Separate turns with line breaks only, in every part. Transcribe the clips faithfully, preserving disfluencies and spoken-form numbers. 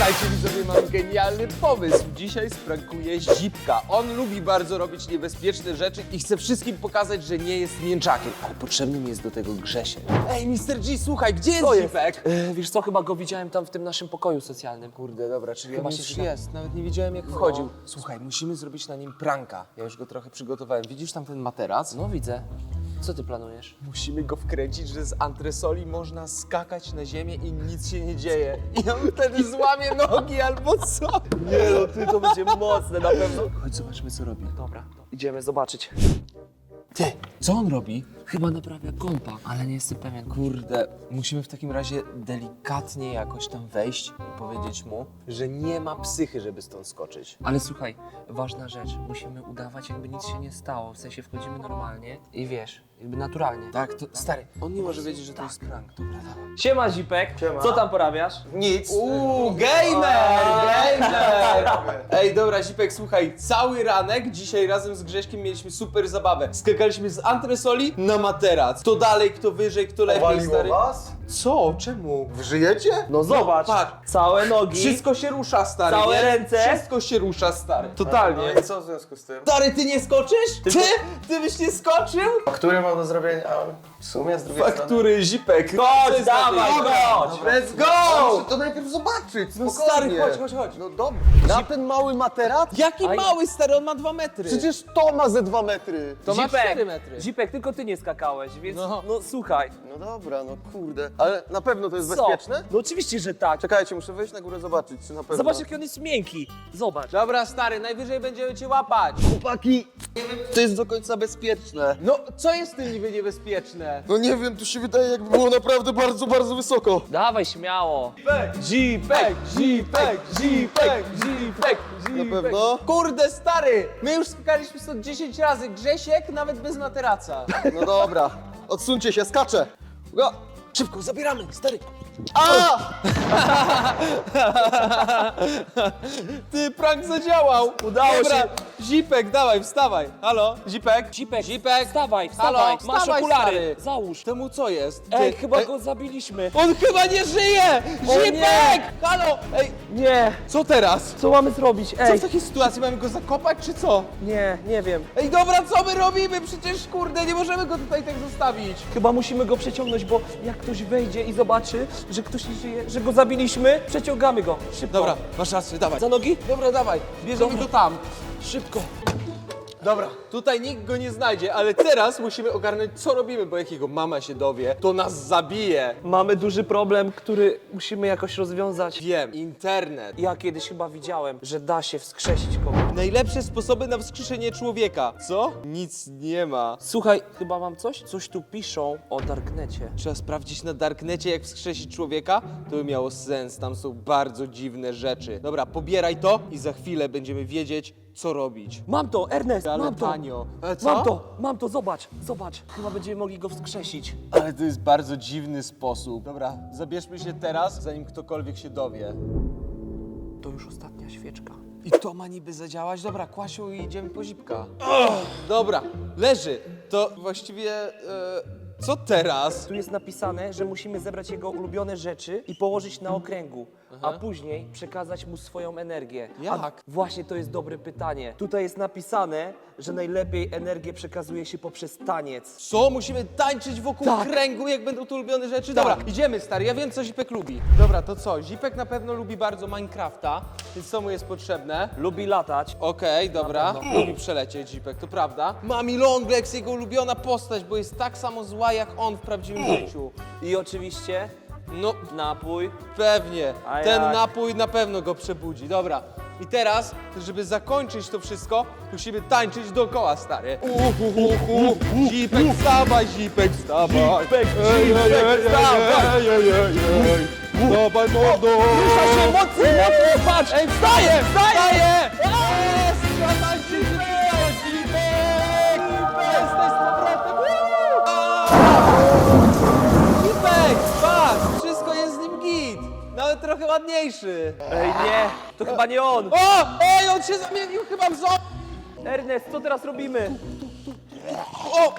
Słuchajcie widzowie, mam genialny pomysł. Dzisiaj sprankuję Zipka. On lubi bardzo robić niebezpieczne rzeczy i chce wszystkim pokazać, że nie jest mięczakiem. Ale potrzebny mi jest do tego Grzesiek. Ej, mister G, słuchaj, gdzie jest
Co jest?
Zipek?
Yy, wiesz co, chyba go widziałem tam w tym naszym pokoju socjalnym.
Kurde, dobra, czyli
Chyba
on
się
już
przyda.
jest. Nawet nie wiedziałem, jak wchodził. Słuchaj, musimy zrobić na nim pranka. Ja już go trochę przygotowałem. Widzisz tam ten materac?
No widzę. Co ty planujesz?
Musimy go wkręcić, że z antresoli można skakać na ziemię i nic się nie dzieje. I on wtedy złamie nogi albo co?
Nie no, ty to będzie mocne na pewno.
Chodź, zobaczmy, co robi.
Dobra, idziemy zobaczyć.
Ty, co on robi?
Chyba naprawia kompa, ale nie jestem pewien.
Kurde, musimy w takim razie delikatnie jakoś tam wejść i powiedzieć mu, że nie ma psychy, żeby stąd skoczyć.
Ale słuchaj, ważna rzecz. Musimy udawać, jakby nic się nie stało. W sensie wchodzimy normalnie i wiesz, jakby naturalnie.
Tak, to stary, on nie może wiedzieć, że to jest prank. Dobra, dawaj.
Siema Zipek, co tam porabiasz?
Nic.
Uuu, gamer, gamer! Ej, dobra, Zipek, słuchaj, cały ranek dzisiaj razem z Grześkiem mieliśmy super zabawę. Skakaliśmy z antresoli na materac. Kto dalej, kto wyżej, kto lepiej,
Waliło
stary.
was?
Co? Czemu?
Wy żyjecie?
No zobacz,
patrz.
całe nogi,
Wszystko się rusza, stary,
Całe
nie?
ręce?
Wszystko się rusza, stary.
No
totalnie.
i co w związku z tym?
Stary, ty nie skoczysz? Ty? Ty byś nie skoczył?
Który mam do zrobienia? A w sumie z drugiej
Faktury, Zipek. Co
Chodź,
jest
dawaj,
na tej-
chodź!
Let's go!
Muszę to najpierw zobaczyć,
No
spokojnie.
stary, chodź, chodź, chodź.
No dobra. Na ten mały materac?
Jaki
Aj.
mały, stary, on ma dwa metry.
Przecież to ma ze dwa metry.
to ma
Zipek,
cztery metry.
Zipek, tylko ty nie skakałeś, więc
No.
no, słuchaj.
No dobra, no kurde. Ale na pewno to jest
Co?
bezpieczne?
No oczywiście, że tak.
Czekajcie, muszę wejść na górę zobaczyć, czy na pewno.
Zobacz, jaki on jest miękki. Zobacz.
Dobra, stary, najwyżej będziemy cię łapać.
Chłopaki, nie wiem, czy to jest do końca bezpieczne.
No, co jest w tym niby niebezpieczne?
No nie wiem, tu się wydaje, jakby było naprawdę bardzo, bardzo wysoko.
Dawaj śmiało.
Zipek, Zipek, Zipek, Zipek,
Na pewno?
Kurde, stary, my już skakaliśmy stąd dziesięć razy. Grzesiek nawet bez materaca.
No dobra, odsuńcie się, skaczę. Go.
Szybko, zabieramy, stary.
A!
Ty, prank zadziałał.
Udało
Dobra,
się.
Zipek, dawaj, wstawaj. Halo, Zipek?
Zipek,
Zipek,
wstawaj,
Halo,
wstawaj. Masz
wstawaj,
okulary.
stary.
Załóż.
Temu co jest?
Ej,
Ty-
chyba
ej,
go zabiliśmy.
On chyba nie żyje!
O
Zipek!
nie!
Halo! Ej,
Nie.
co teraz?
Co mamy zrobić?
Co
Ej.
w takiej sytuacji? Mamy go zakopać, czy co?
Nie, nie wiem.
Ej, dobra, co my robimy? Przecież, kurde, nie możemy go tutaj tak zostawić.
Chyba musimy go przeciągnąć, bo jak ktoś wejdzie i zobaczy, że ktoś nie żyje, że go zabiliśmy, przeciągamy go. Szybko.
Dobra, masz rację, dawaj.
Za nogi?
Dobra, dawaj, bierzemy
Dobra.
go tam. Szybko. Dobra, tutaj nikt go nie znajdzie, ale teraz musimy ogarnąć, co robimy, bo jak jego mama się dowie, to nas zabije.
Mamy duży problem, który musimy jakoś rozwiązać.
Wiem, internet.
Ja kiedyś chyba widziałem, że da się wskrzesić kogoś.
Najlepsze sposoby na wskrzeszenie człowieka. Co? Nic nie ma.
Słuchaj, chyba mam coś? Coś tu piszą o Darknecie.
Trzeba sprawdzić na Darknecie, jak wskrzesić człowieka. To by miało sens, tam są bardzo dziwne rzeczy. Dobra, pobieraj to i za chwilę będziemy wiedzieć, co robić.
Mam to, Ernest,
Ale
mam to.
tanio. Ale co?
Mam to, mam to, zobacz, zobacz. Chyba będziemy mogli go wskrzesić.
Ale to jest bardzo dziwny sposób. Dobra, zabierzmy się teraz, zanim ktokolwiek się dowie.
To już ostatnia świeczka.
I to ma niby zadziałać? Dobra, Kłasiu, i idziemy po Zipka. Dobra, leży. To właściwie... E, co teraz?
Tu jest napisane, że musimy zebrać jego ulubione rzeczy i położyć na okręgu, a później przekazać mu swoją energię.
Jak?
A właśnie to jest dobre pytanie. Tutaj jest napisane, że najlepiej energię przekazuje się poprzez taniec.
Co? Musimy tańczyć wokół
Tak.
kręgu, jak będą to ulubione rzeczy? Dobra, idziemy, stary, ja wiem, co Zipek lubi. Dobra, to co? Zipek na pewno lubi bardzo Minecrafta, więc co mu jest potrzebne?
Lubi latać.
Okej, dobra. Lubi przelecieć Zipek, to prawda. Mami Longlegs, jego ulubiona postać, bo jest tak samo zła jak on w prawdziwym życiu.
I oczywiście
No,
napój.
pewnie.
A
Ten
jak?
napój na pewno go przebudzi. Dobra. I teraz, żeby zakończyć to wszystko, musimy tańczyć dookoła, stary. Uhuhuhu. Zipek, wstawaj, Zipek, wstawaj.
Zipek,
Ej,
Zipek,
ej, ej,
wstawaj.
ej, ej, ej, ej. Wstawaj, mordo.
Rusza się mocno, mocno, patrz!
Ej, wstaję, wstaję! Jest! Wstawaj, Zipek! Zipek! Jesteś z powrotem! Zipek, patrz! Wszystko jest z nim git! Nawet trochę ładniejszy.
Ej, nie, to chyba nie on.
O! Ej, on się zamienił chyba w zo...
Ernest, co teraz robimy?
O!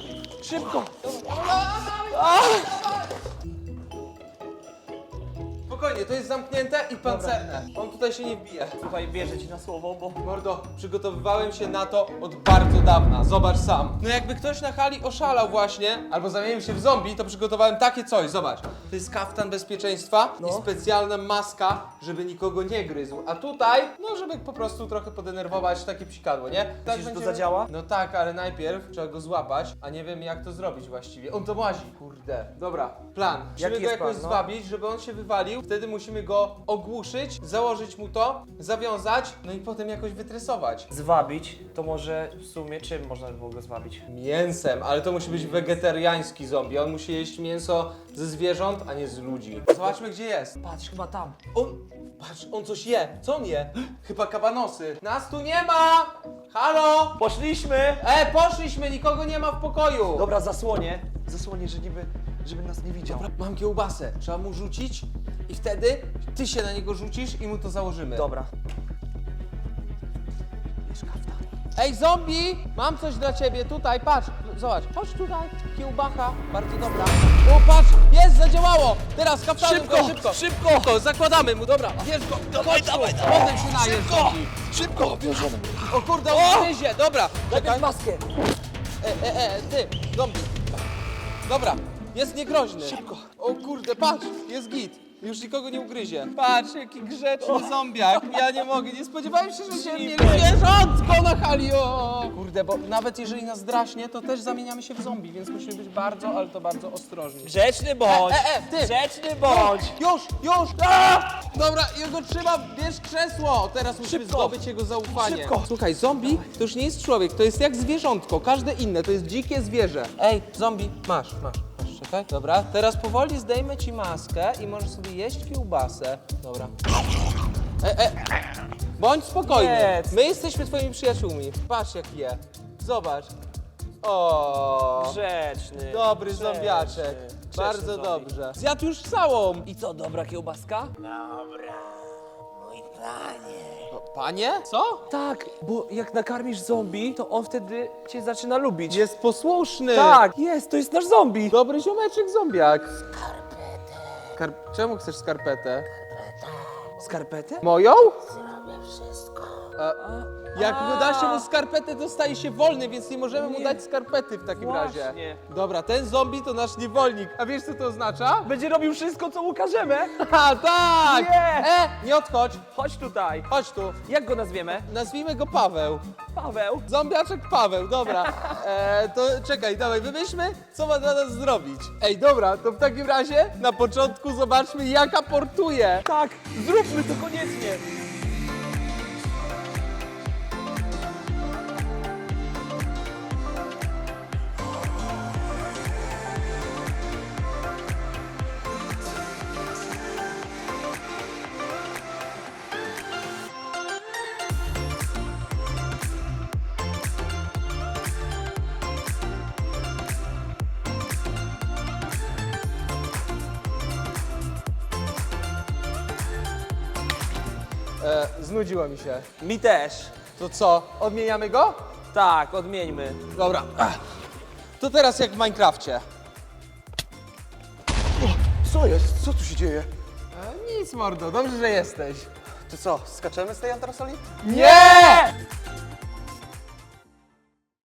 Szybko!
spokojnie, to jest zamknięte i pancerne. On tutaj się nie wbije.
Słuchaj, wierzę ci na słowo, bo...
Mordo, przygotowywałem się na to od bardzo dawna, zobacz sam. No jakby ktoś na hali oszalał właśnie, albo zamienił się w zombie, to przygotowałem takie coś, zobacz. To jest kaftan bezpieczeństwa
No.
i specjalna maska, żeby nikogo nie gryzł. A tutaj, no żeby po prostu trochę podenerwować takie psikadło, nie? Tak
Myślisz, że to zadziała?
No tak, ale najpierw trzeba go złapać, a nie wiem jak to zrobić właściwie. On to łazi, kurde. Dobra, plan. Musimy
Jaki
go
jest
jakoś
plan, no?
zwabić, żeby on się wywalił, wtedy musimy go ogłuszyć, założyć mu to, zawiązać, no i potem jakoś wytresować.
Zwabić, to może w sumie czym można by było go zwabić?
Mięsem, ale to musi być wegetariański zombie. On musi jeść mięso ze zwierząt, a nie z ludzi. Zobaczmy gdzie jest.
Patrz, chyba tam.
On, patrz, on coś je. Co on je? Chyba kabanosy. Nas tu nie ma! Halo!
Poszliśmy!
E, poszliśmy, nikogo nie ma w pokoju.
Dobra, zasłonię. Zasłonię, że niby, żeby nas nie widział.
Dobra, mam kiełbasę. Trzeba mu rzucić i wtedy ty się na niego rzucisz i mu to założymy.
Dobra.
Ej, zombie! Mam coś dla ciebie, tutaj, patrz, zobacz, chodź tutaj, kiełbacha, bardzo dobra. O, patrz, jest, zadziałało! Teraz kaftanem
Szybko,
go, szybko,
szybko!
szybko, zakładamy mu, dobra, bierz go, dawaj, dawaj, potem się najesz,
Szybko!
zombie.
Szybko, bierzemy.
O kurde, on gryzie, dobra, czekaj,
Najpierw maskę.
e, e, e, ty, zombie. Dobra, jest niegroźny. Szybko. O kurde, patrz, jest git. Już nikogo nie ugryzie. Patrz, jaki grzeczny zombiak. Ja nie mogę, nie spodziewałem się, że się nie zwierzątko na hali. O! Kurde, bo nawet jeżeli nas draśnie, to też zamieniamy się w zombie, więc musimy być bardzo, ale to bardzo ostrożni.
Grzeczny bądź!
E, e, e, ty!
Grzeczny bądź!
Już, już! A! Dobra, jego trzyma, bierz krzesło! Teraz musimy
Szybko!
zdobyć jego zaufanie.
Szybko!
Słuchaj, zombie to już nie jest człowiek, to jest jak zwierzątko, każde inne, to jest dzikie zwierzę. Ej, zombie, masz, masz, masz, czekaj. Dobra, teraz powoli zdejmę ci maskę i możesz sobie jeść kiełbasę. Dobra. E, e, bądź spokojny,
Jedz.
my jesteśmy twoimi przyjaciółmi. Patrz jak je, zobacz. O,
Grzeczny.
dobry
grzeczny,
zombiaczek.
grzeczny
Bardzo
zombie.
dobrze. Zjadł już całą.
I co, dobra kiełbaska?
O, panie? Co?
Tak, bo jak nakarmisz zombie, to on wtedy cię zaczyna lubić.
Jest posłuszny.
Tak, jest, to jest nasz zombie.
Dobry ziomeczek zombiak. Skarpetę. Kar... Czemu chcesz skarpetę?
Skarpetę?
Moją? Zrobię wszystko. Jak mu da się mu skarpetę, to staje się wolny, więc nie możemy mu
Nie.
dać skarpety w takim
Właśnie.
razie. Dobra, ten zombie to nasz niewolnik. A wiesz co to oznacza?
Będzie robił wszystko, co mu każemy.
Ha, tak!
Nie.
E, nie odchodź.
Chodź tutaj.
Chodź tu.
Jak go nazwiemy?
Nazwijmy go Paweł.
Paweł.
Zombiaczek Paweł, dobra. E, to czekaj, dawaj, wymyślmy, co ma dla nas zrobić. Ej, dobra, to w takim razie na początku zobaczmy, jak aportuje.
Tak, zróbmy to koniecznie.
E, znudziło mi się.
Mi też.
To co, odmieniamy go?
Tak, odmieńmy.
Dobra. Ach. To teraz jak w Minecrafcie.
Co jest? Co tu się dzieje?
E, nic, mordo, dobrze, że jesteś.
Ty co, skaczemy z tej antrasoli?
Nie!